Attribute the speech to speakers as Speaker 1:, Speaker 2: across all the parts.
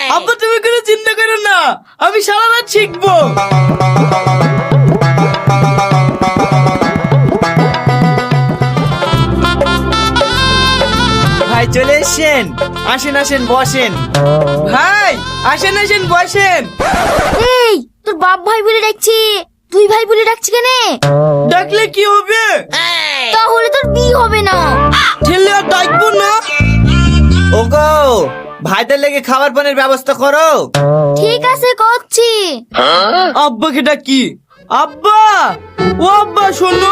Speaker 1: আব্বা তুমি কোনো চিন্তা করো না, আমি সারা রাত শিখবো।
Speaker 2: ভাই চলে এসেছেন, আসেন আসেন বসেন।
Speaker 1: ভাই আসেন আসেন বসেন।
Speaker 3: এই তোর বাপ ভাই বলে ডাকছি, তুই ভাই বলে ডাকছি কেন?
Speaker 1: ডাকলে কি হবে?
Speaker 3: তাহলে তোর বিয়ে হবে না।
Speaker 1: ঠেলে আর ডাকবো না।
Speaker 2: ওগো ভাইদের লেগে খাবার পানির ব্যবস্থা করো।
Speaker 3: ঠিক আছে করছি।
Speaker 1: আব্বাকে ডাকি। আব্বা, ও আব্বা শোনো।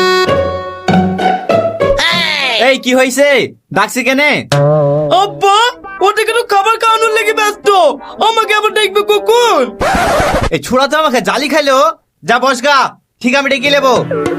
Speaker 2: এই কি হয়েছে, ডাকছি কেনে?
Speaker 1: আব্বা ওটা কেন খাবার খাওয়ানোর লেগে ব্যস্ত, আমাকে আবার ডাকবে কখন?
Speaker 2: এই ছোড়া তো আমাকে জালি খাইলো। যা বসগা, ঠিক আমি ডেকে নেবো।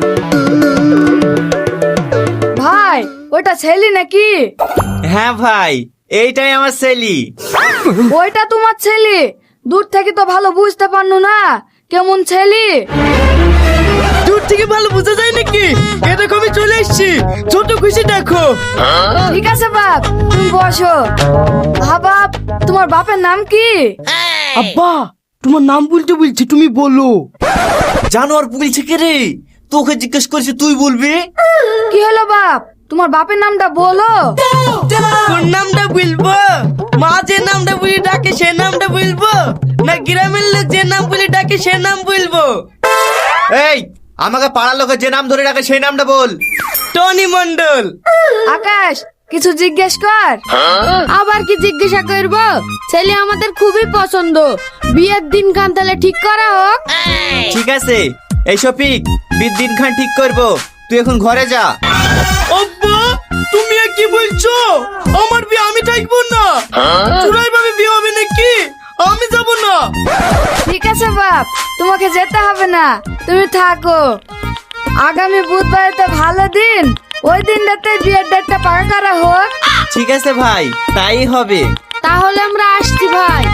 Speaker 4: ভাই ওইটা ছেলে নাকি?
Speaker 2: হ্যাঁ ভাই, এইটাই আমার ছেলি।
Speaker 4: ওইটা তোমার ছেলে? দূর থেকে তো ভালো বুঝতে পারনো না কেমন ছেলে।
Speaker 1: দূর থেকে ভালো বোঝা যায় নাকি? এ দেখো আমি চলে এসেছি, ছোট খুশি দেখো।
Speaker 4: ঠিক আছে বাপ, তুমি বসো। হ্যাঁ বাপ, তোমার বাপের নাম কি?
Speaker 1: আব্বা তোমার নাম বলতে বলছি, তুমি বলো।
Speaker 2: জানোয়ার বলছে কে রে? তোকে জিজ্ঞেস করছি, তুই বলবি।
Speaker 4: কি হলো বাপ, তোমার বাপের নামটা বলো।
Speaker 1: কোন নামটা বলবো? মা যে নামটা বলে ডাকে সে নামটা বলবো, না গ্রামের লোক যে নাম বলে ডাকে সে নাম বলবো?
Speaker 2: এই আমাকে পাড়ার লোকে যে নাম ধরে ডাকে সেই নামটা বল।
Speaker 1: টনি মন্ডল।
Speaker 4: আকাশ কিছু জিজ্ঞেস কর। আবার কি জিজ্ঞাসা করবো? ছেলে আমাদের খুবই পছন্দ, বিয়ের দিন খান তাহলে ঠিক করা হোক।
Speaker 2: ঠিক আছে, এই শফিক বিদ্দিন খান ঠিক করবো, তুই এখন ঘরে যা।
Speaker 1: আব্বা তুমি আর কি বলছো? আমার বিয়ে আমি থাকবো না। চুরাই ভাবে বিয়ে হবে নাকি? আমি যাব না।
Speaker 4: ঠিক আছে বাপ, তোমাকে যেতে হবে না, তুমি থাকো। আগামী বুধবার তো ভালো দিন, ওই দিনটাতে বিয়ের ডেটটা পাকা করা হোক।
Speaker 2: ঠিক আছে ভাই, তাই হবে।
Speaker 4: তাহলে আমরা আসছি ভাই।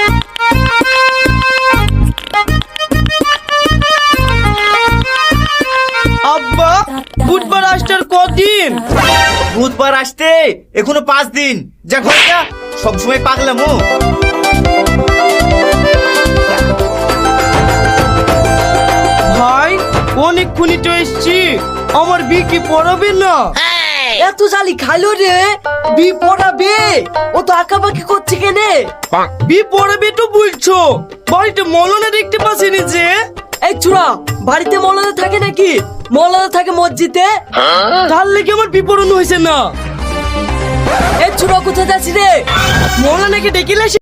Speaker 1: আব্বা বুধবার আসতে আর কদিন?
Speaker 2: বুধবার আসতে এখনো 5 দিন। যা ঘরে যা, সবসময় পাগলামো।
Speaker 1: ভাই অনেকক্ষণই তো এসছি, আমার বিয়ে কি পড়াবে না?
Speaker 5: এত জালি খাইলো রে, বি পড়াবে? ও তো আঁকাবাকি করছে কেনে?
Speaker 1: বিয়ে পড়াবে তো বলছো, বাড়িতে মলনা দেখতে পাচ্ছিনি যে?
Speaker 5: এই চূড়া, বাড়িতে মৌলানা থাকে নাকি? মৌলানা থাকে মসজিদে।
Speaker 1: তার লেগে আমার বিপরণ হয়েছে না।
Speaker 5: এই চূড়া কোথায় যাচ্ছি রে?
Speaker 1: মৌলানাকে ডেকে